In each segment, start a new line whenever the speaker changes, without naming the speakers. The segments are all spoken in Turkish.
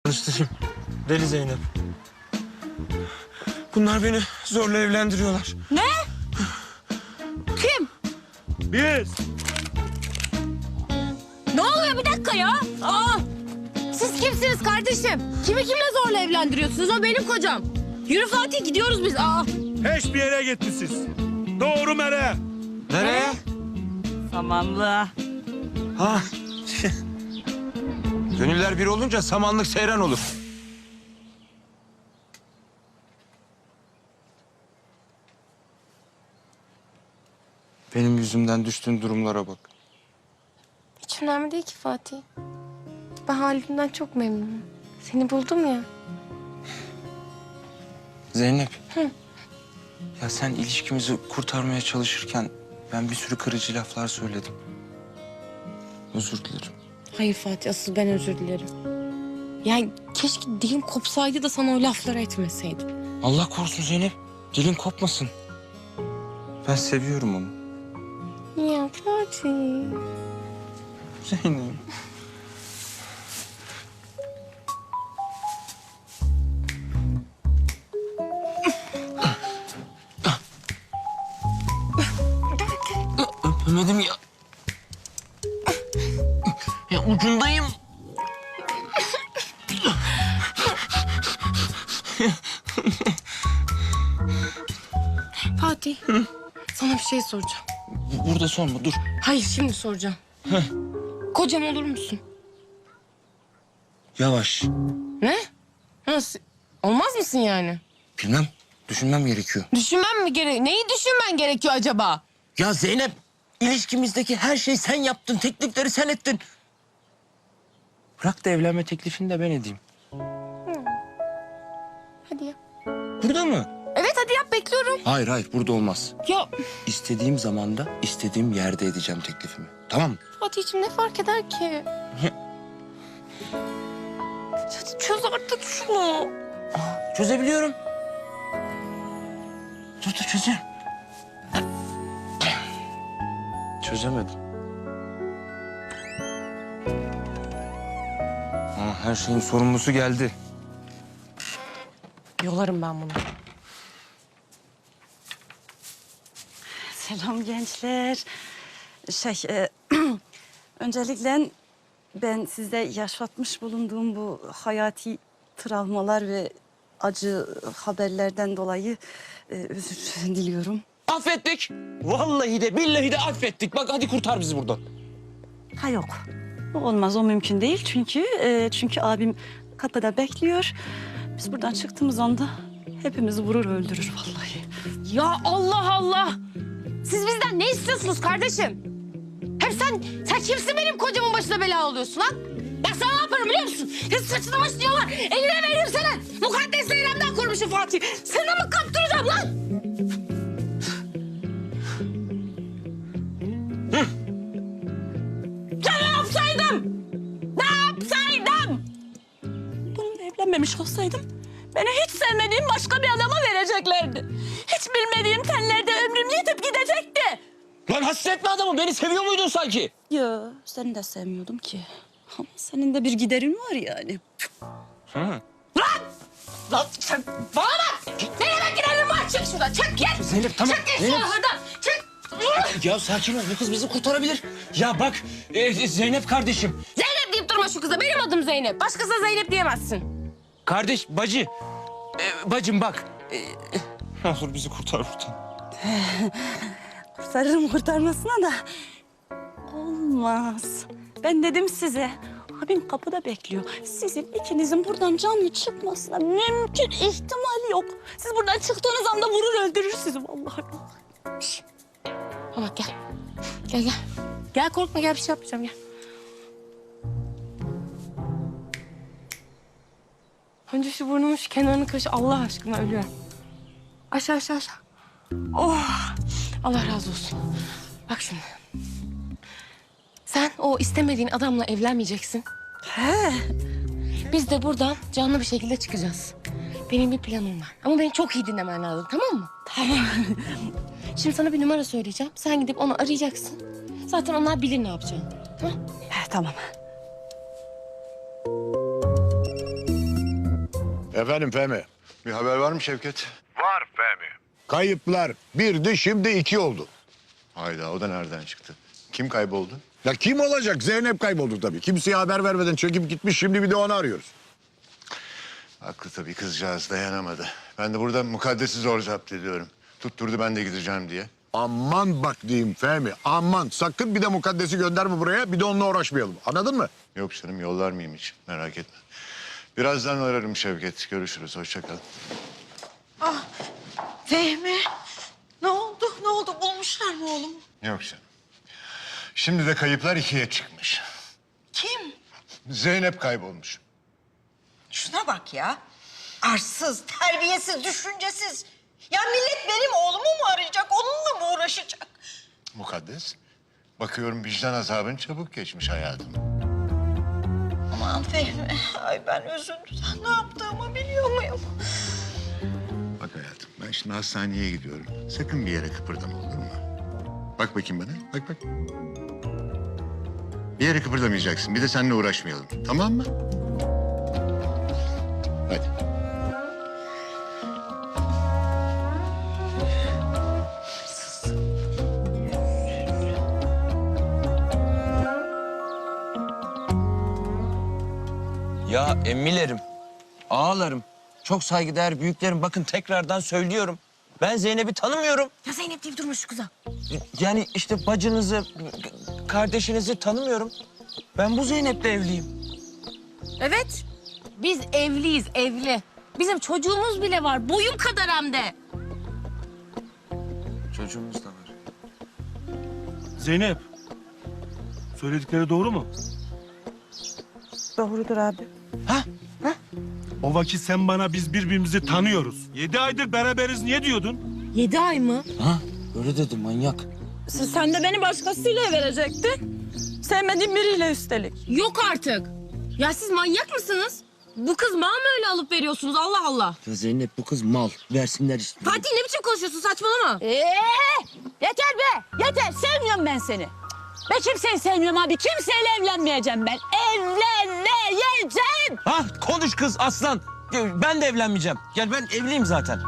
Tanıştırayım. Deli Zeynep. Bunlar beni zorla evlendiriyorlar.
Ne? Kim?
Biz.
Ne oluyor bir dakika ya? Aa! Siz kimsiniz kardeşim? Kimi kimle zorla evlendiriyorsunuz? O benim kocam. Yürü Fatih gidiyoruz biz. Aa!
Hiçbir yere gitti siz. Doğru mere.
Nereye?
Samanlı.
Ha. Gönüller bir olunca samanlık seyran olur. Benim yüzümden düştüğün durumlara bak.
Hiç önemli değil ki Fatih. Ben halimden çok memnunum. Seni buldum ya.
Zeynep. Ya sen ilişkimizi kurtarmaya çalışırken ben bir sürü kırıcı laflar söyledim. Özür dilerim.
Hayır Fatih, asıl ben özür dilerim. Yani keşke dilim kopsaydı da sana o lafları etmeseydim.
Allah korusun Zeynep. Dilin kopmasın. Ben seviyorum onu.
Ya Fatih.
Zeynep. Öpemedim ya. Ya ucundayım.
Fatih. Sana bir şey soracağım.
Burada sorma, dur.
Hayır, şimdi soracağım. Kocam olur musun?
Yavaş.
Ne? Nasıl? Olmaz mısın yani?
Bilmem, düşünmem gerekiyor.
Düşünmem mi gerek? Neyi düşünmen gerekiyor acaba?
Ya Zeynep, ilişkimizdeki her şeyi sen yaptın, teklifleri sen ettin. Bırak da evlenme teklifini de ben edeyim.
Hadi ya.
Burada mı?
Evet hadi yap, bekliyorum.
Hayır, hayır, burada olmaz.
Ya
İstediğim zamanda, istediğim yerde edeceğim teklifimi. Tamam mı?
Fatih'ciğim ne fark eder ki? Hadi çöz artık şunu.
Çözebiliyorum. Dur, çözüyorum. Çözemedim. Her şeyin sorumlusu geldi.
Yolarım ben bunu.
Selam gençler. Öncelikle ben size yaşatmış bulunduğum bu hayati travmalar ve acı haberlerden dolayı özür diliyorum.
Affettik. Vallahi de billahi de affettik. Bak hadi kurtar bizi buradan.
Ha yok. O olmaz, o mümkün değil çünkü abim kapıda bekliyor. Biz buradan çıktığımız anda hepimizi vurur öldürür vallahi.
Ya Allah Allah! Siz bizden ne istiyorsunuz kardeşim? Hem sen kimsin benim kocamın başına bela oluyorsun lan? Ben sana ne yaparım biliyor musun? Kız saçını başını yolar, eline veririm seni. Mukaddes Zeynep'den korumuşum Fatih. Sana mı kaptıracağım lan? Ya ne yapsaydım? Ne yapsaydım?
Bununla evlenmemiş olsaydım beni hiç sevmediğim başka bir adama vereceklerdi. Hiç bilmediğim tenlerde ömrüm yetip gidecekti.
Lan hasretme adamı. Beni seviyor muydun sanki?
Ya seni de sevmiyordum ki. Ama senin de bir giderin var yani.
Lan sen bana bak! Ne demek gidelim var? Çık şuradan, çık gel!
Zeynep, tamam.
Çık git
Zeynep.
şuradan, çık!
Ya sakin ol. Bu kız bizi kurtarabilir. Ya bak Zeynep kardeşim.
Zeynep deyip durma şu kıza. Benim adım Zeynep. Başkasına Zeynep diyemezsin.
Kardeş, bacı. Bacım bak. Ne olur bizi kurtar buradan.
Kurtarırım kurtarmasına da olmaz. Ben dedim size. Abim kapıda bekliyor. Sizin ikinizin buradan canlı çıkmasına mümkün ihtimal yok. Siz buradan çıktığınız anda vurur öldürür sizi vallahi.
Ha bak gel. Gel gel. Gel korkma gel bir şey yapmayacağım gel. Önce şu burnumun şu kenarını kaşı Allah aşkına ölüyorum. Aşağı aşağı aşağı. Oh! Allah razı olsun. Bak şimdi. Sen o istemediğin adamla evlenmeyeceksin.
He.
Biz de buradan canlı bir şekilde çıkacağız. Benim bir planım var. Ama beni çok iyi dinlemen lazım, tamam mı?
Tamam.
Şimdi sana bir numara söyleyeceğim. Sen gidip onu arayacaksın. Zaten onlar bilir ne yapacağını. Tamam?
He, tamam.
Efendim Fehmi.
Bir haber var mı Şevket?
Var Fehmi.
Kayıplar birdi şimdi 2 oldu.
Hayda, o da nereden çıktı? Kim kayboldu?
Ya kim olacak? Zeynep kayboldu tabii. Kimseye haber vermeden çekip gitmiş. Şimdi bir de onu arıyoruz.
Haklı tabii, kızcağız dayanamadı. Ben de burada mukaddesi zor zapt ediyorum. Tutturdu ben de gideceğim diye.
Aman bak diyeyim Fehmi. Aman sakın bir de mukaddesi gönderme buraya. Bir de onunla uğraşmayalım. Anladın mı?
Yok canım, yollar mıyım hiç? Merak etme. Birazdan ararım Şevket. Görüşürüz, hoşça kal.
Fehmi, ne oldu? Ne oldu? Bulmuşlar mı oğlumu?
Yok canım. Şimdi de kayıplar 2'ye çıkmış.
Kim?
Zeynep kaybolmuş.
Şuna bak ya. Arsız, terbiyesiz, düşüncesiz. Ya millet benim oğlumu mu arayacak, onunla mı uğraşacak?
Mukaddes. Bakıyorum vicdan azabın çabuk geçmiş hayatım.
Aman Fehmi, ay ben üzüntüden ne yaptığımı biliyor muyum?
Bak hayatım, ben şimdi hastaneye gidiyorum. Sakın bir yere kıpırdama, olur mu? Bak bakayım bana, bak bak. Bir yere kıpırdamayacaksın, bir de seninle uğraşmayalım. Tamam mı? Hadi.
Ya emmilerim, ağalarım, çok saygıdeğer büyüklerim. Bakın tekrardan söylüyorum. Ben Zeynep'i tanımıyorum.
Ya Zeynep deyip durma şu kıza.
Yani işte bacınızı, kardeşinizi tanımıyorum. Ben bu Zeynep'le evliyim.
Evet. Biz evliyiz, evli. Bizim çocuğumuz bile var. Boyum kadar hem de.
Çocuğumuz da var.
Zeynep. Söyledikleri doğru mu?
Doğrudur abi.
O vakit sen bana biz birbirimizi tanıyoruz. 7 aydır beraberiz niye diyordun?
7 ay mı?
Ha? Öyle dedi manyak.
Sen de beni başkasıyla verecektin. Sevmediğin biriyle üstelik.
Yok artık. Ya siz manyak mısınız? Bu kız mal mı öyle alıp veriyorsunuz? Allah Allah.
Ya Zeynep bu kız mal. Versinler işte.
Fatih ne biçim konuşuyorsun? Saçmalama.
Yeter be! Yeter! Sevmiyorum ben seni. Ben kimseyi sevmiyorum abi. Kimseyle evlenmeyeceğim ben. Evlenmeyeceğim!
Ha konuş kız aslan. Ben de evlenmeyeceğim. Gel ben evliyim zaten.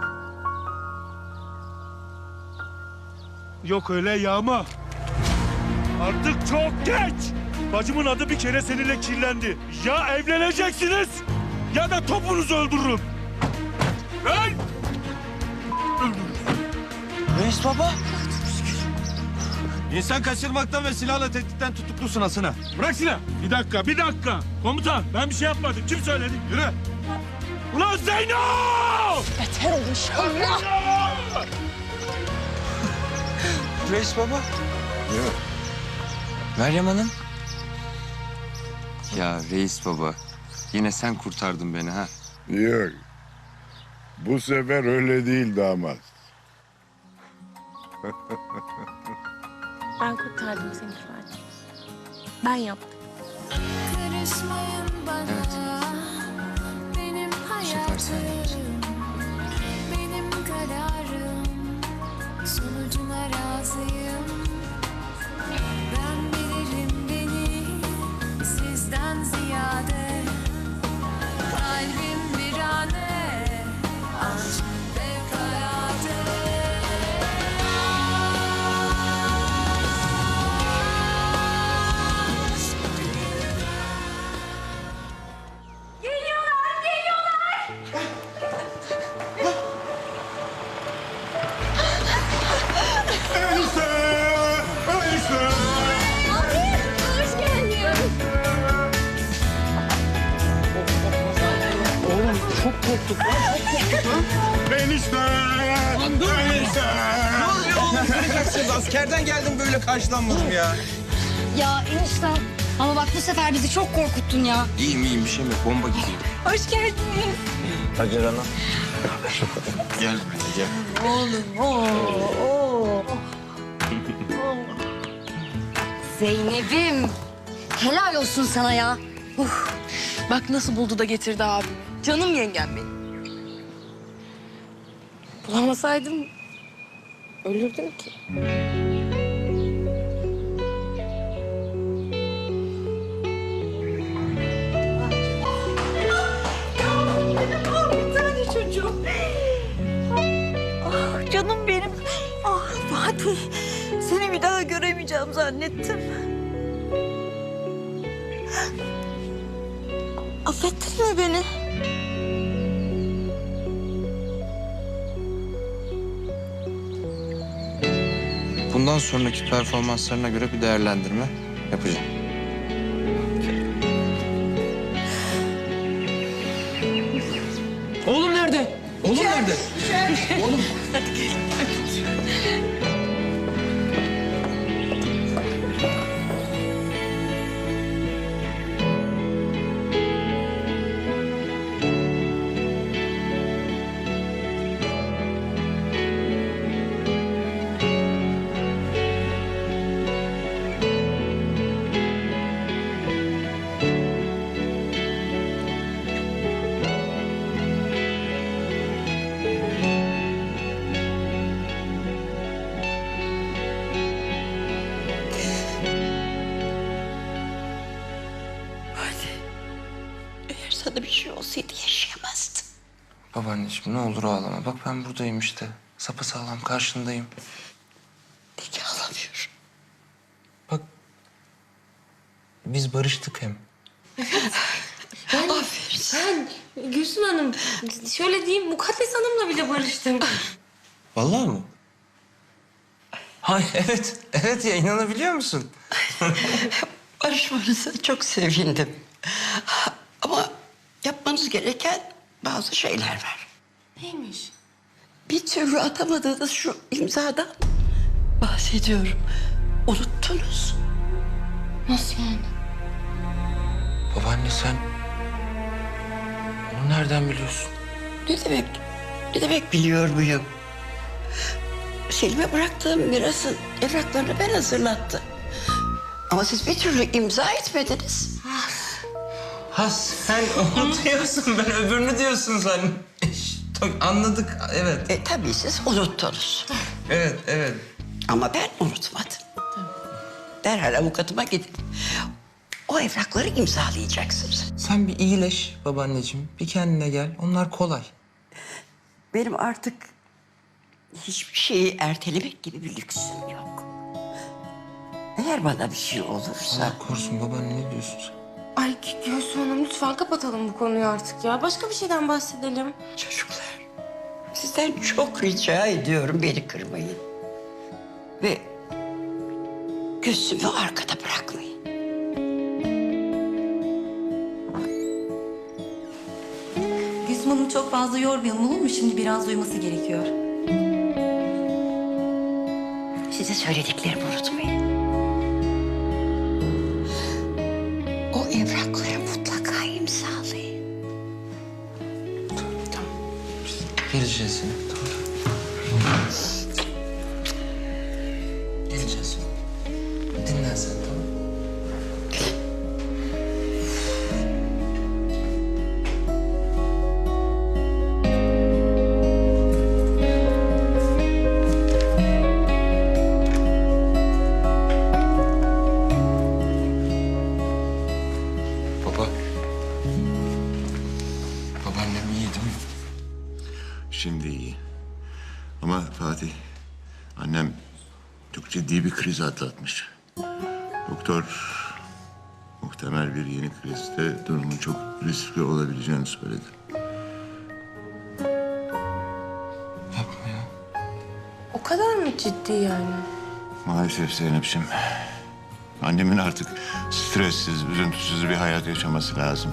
Yok öyle Yağma. Artık çok geç. Bacımın adı bir kere seninle kirlendi. Ya evleneceksiniz ya da topunuzu öldürürüm. Hey!
Reis baba.
İnsan kaçırmaktan ve silahla tehditten tutuklusun Asına. Bırak silah. Bir dakika, bir dakika. Komutan ben bir şey yapmadım. Kim söyledi? Yürü. Ulan Zeyno!
Beter ol inşallah.
Reis baba.
Yok.
Meryem Hanım. Ya reis baba. Yine sen kurtardın beni ha.
Yok. Bu sefer öyle değil damat.
Ben kurtardım seni Fatih. Ben yaptım.
Karışmayın bana. Benim
sefer sen
hayatım, benim kararım. Sonucuna razıyım. Ben bilirim beni sizden ziyade. Kalbim virane, aşk fevkalade.
Enişte!
Askerden geldim böyle karşılanmadım ya.
Ya enişte ama bak bu sefer bizi çok korkuttun ya.
İyiyim bir şey mi? Bomba gibi.
Hoş geldiniz.
Hacer Ana. Gel gel.
Zeynep'im. Helal olsun sana ya.
Bak nasıl buldu da getirdi abimi. Canım yengem benim. Bulamasaydım ölürdüm ki.
Seni bir daha göremeyeceğim zannettim. Affettin mi beni?
Bundan sonraki performanslarına göre bir değerlendirme yapacağım.
Oğlum nerede? Oğlum nerede? Oğlum.
Eğer sana bir şey olsaydı yaşayamazdın.
Babaanneciğim ne olur ağlama. Bak ben buradayım işte. Sapasağlam karşındayım.
Peki ağlamıyorum.
Bak biz barıştık hem.
Ben Gülsüm Hanım şöyle diyeyim Mukaddes Hanım'la bile barıştım.
Vallahi mı? Hay evet. Evet ya inanabiliyor musun?
Barışmanıza çok sevindim. Ama yapmanız gereken bazı şeyler var.
Neymiş?
Bir türlü atamadığınız şu imzadan bahsediyorum. Unuttunuz.
Nasıl yani?
Babaanne sen onu nereden biliyorsun?
Ne demek? Ne demek biliyor muyum? Selim'e bıraktığım mirasın evraklarını ben hazırlattım. Ama siz bir türlü imza etmediniz.
Ha sen onu diyorsun, ben öbürünü diyorsun sen. Anladık, evet.
Tabii siz unuttunuz.
Evet, evet.
Ama ben unutmadım. Derhal avukatıma gidip o evrakları imzalayacaksınız.
Sen bir iyileş babaanneciğim, bir kendine gel. Onlar kolay.
Benim artık hiçbir şeyi ertelemek gibi bir lüksüm yok. Eğer bana bir şey olursa...
Allah korusun babaanne, ne diyorsun sen?
Ay Gülsüm Hanım lütfen kapatalım bu konuyu artık ya. Başka bir şeyden bahsedelim.
Çocuklar, sizden çok rica ediyorum beni kırmayın. Ve Gülsüm'ü arkada bırakmayın.
Gülsüm Hanım çok fazla yormayalım olur mu? Şimdi biraz uyuması gerekiyor.
Size söylediklerimi unutmayın. O evrakları mutlaka imzalayın.
Geleceğiz yine, tamam. Geleceğiz. Dinlen sen, tamam. Baba. Babaannem iyi değil mi?
Şimdi iyi. Ama Fatih, annem çok ciddi bir kriz atlatmış. Doktor muhtemel bir yeni krizde durumun çok riskli olabileceğini söyledi.
Yapma ya.
O kadar mı ciddi yani?
Maalesef Zeynep'ciğim. Annemin artık stressiz, üzüntüsüz bir hayat yaşaması lazım.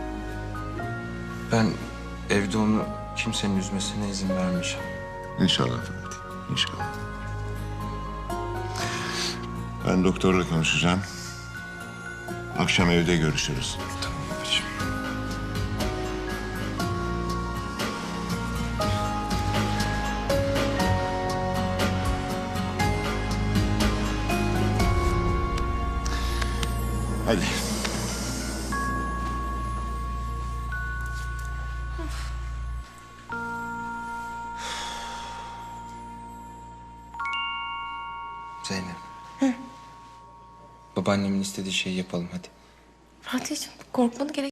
Ben evde onu kimsenin üzmesine izin vermeyeceğim.
İnşallah Fatih, inşallah. Ben doktorla konuşacağım. Akşam evde görüşürüz.
Tamam babacığım.
Hadi.
Zeynep. Babaannemin istediği şeyi yapalım hadi.
Fatih'ciğim korkmana gerek